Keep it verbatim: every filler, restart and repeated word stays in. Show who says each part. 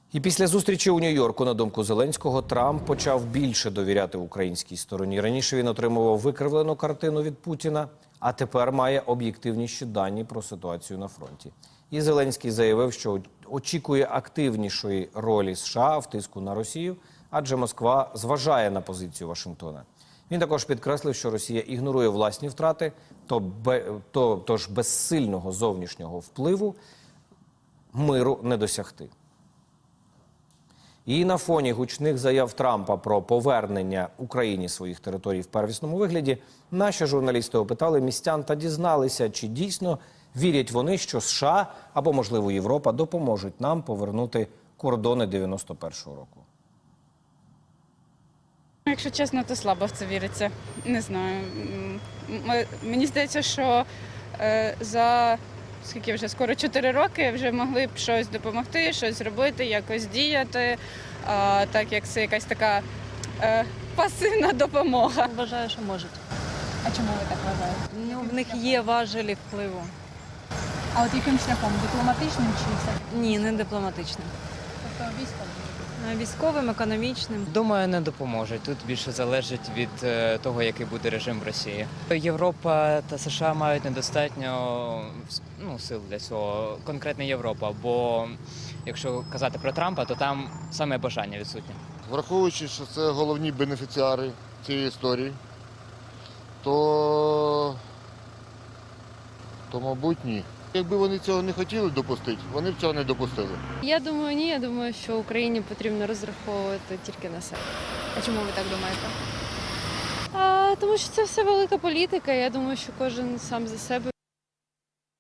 Speaker 1: І після зустрічі у Нью-Йорку, на думку Зеленського, Трамп почав більше довіряти українській стороні. Раніше він отримував викривлену картину від Путіна, а тепер має об'єктивніші дані про ситуацію на фронті. І Зеленський заявив, що очікує активнішої ролі США в тиску на Росію, адже Москва зважає на позицію Вашингтона. Він також підкреслив, що Росія ігнорує власні втрати, то, то, тож без сильного зовнішнього впливу миру не досягти. І на фоні гучних заяв Трампа про повернення Україні своїх територій в первісному вигляді, наші журналісти опитали містян та дізналися, чи дійсно вірять вони, що США або, можливо, Європа допоможуть нам повернути кордони дев'яносто першого року.
Speaker 2: Якщо чесно, то слабо в це віриться. Не знаю. М- Мені здається, що е, за скільки вже скоро чотири роки вже могли б щось допомогти, щось зробити, якось діяти, а, так як це якась така е, пасивна допомога.
Speaker 3: Вважаю, що можуть.
Speaker 4: А чому ви так вважаєте?
Speaker 3: Ну, в них є важелі впливу.
Speaker 4: А от яким шляхом? Дипломатичним чи все?
Speaker 3: Ні, не дипломатичним.
Speaker 4: Тобто військовим?
Speaker 3: А Військовим, економічним.
Speaker 5: Думаю, не допоможуть. Тут більше залежить від е, того, який буде режим в Росії. Європа та США мають недостатньо ну, сил для цього, конкретно Європа. Бо якщо казати про Трампа, то там саме бажання відсутнє.
Speaker 6: Враховуючи, що це головні бенефіціари цієї історії, то, то мабуть, ні. Якби вони цього не хотіли допустити, вони б цього не допустили.
Speaker 7: Я думаю, ні. Я думаю, що Україні потрібно розраховувати тільки на себе.
Speaker 4: А чому ви так думаєте?
Speaker 7: А, тому що це все велика політика. Я думаю, що кожен сам за себе.